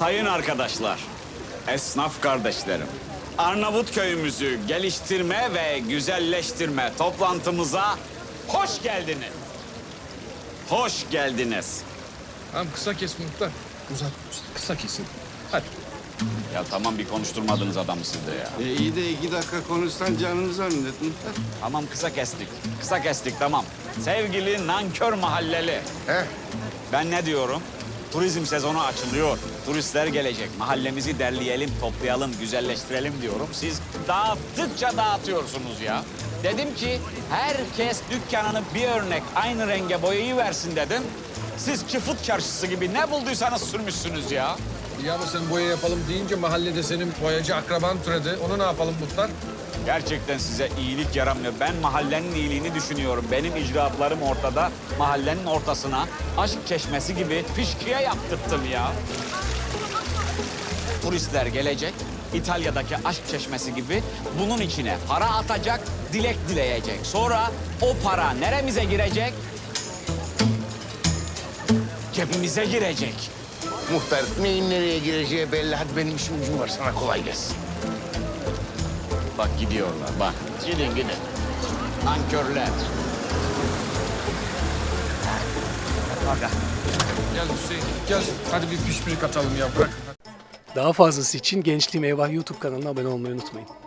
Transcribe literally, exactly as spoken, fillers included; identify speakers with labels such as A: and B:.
A: Sayın arkadaşlar, esnaf kardeşlerim, Arnavut köyümüzü geliştirme ve güzelleştirme toplantımıza hoş geldiniz. Hoş geldiniz.
B: Tamam kısa kes muhtar. Uzat, kısa kesin. Hadi.
A: Ya tamam, bir konuşturmadınız adamı siz de ya.
C: E iyi de iki dakika konuşsan canını zannettin.
A: Tamam, kısa kestik. Kısa kestik, tamam. Sevgili nankör mahalleli.
C: Heh.
A: Ben ne diyorum? Turizm sezonu açılıyor. Turistler gelecek. Mahallemizi derleyelim, toplayalım, güzelleştirelim diyorum. Siz dağıttıkça dağıtıyorsunuz ya. Dedim ki herkes dükkanını bir örnek aynı renge boyayı versin dedim. Siz çıfıt çarşısı gibi ne bulduysanız sürmüşsünüz ya.
B: Ya ama sen boya yapalım deyince mahallede senin boyacı akraban türedi. Onu ne yapalım muhtar?
A: Gerçekten size iyilik yaramıyor. Ben mahallenin iyiliğini düşünüyorum. Benim icraatlarım ortada. Mahallenin ortasına aşk çeşmesi gibi fışkıya yaptırttım ya. Turistler gelecek. İtalya'daki aşk çeşmesi gibi bunun içine para atacak, dilek dileyecek. Sonra o para neremize girecek? Cebimize girecek.
D: Muhtar neyin nereye gireceği belli. Hadi benim işim gücüm var. Sana kolay gelsin.
A: Bak gidiyorlar, bak. Gidin gidin. Nankörler. Hadi.
B: Gel Hüseyin, gel. Hadi bir pişpirik atalım ya, bırak.
E: Daha fazlası için Gençliğim Eyvah YouTube kanalına abone olmayı unutmayın.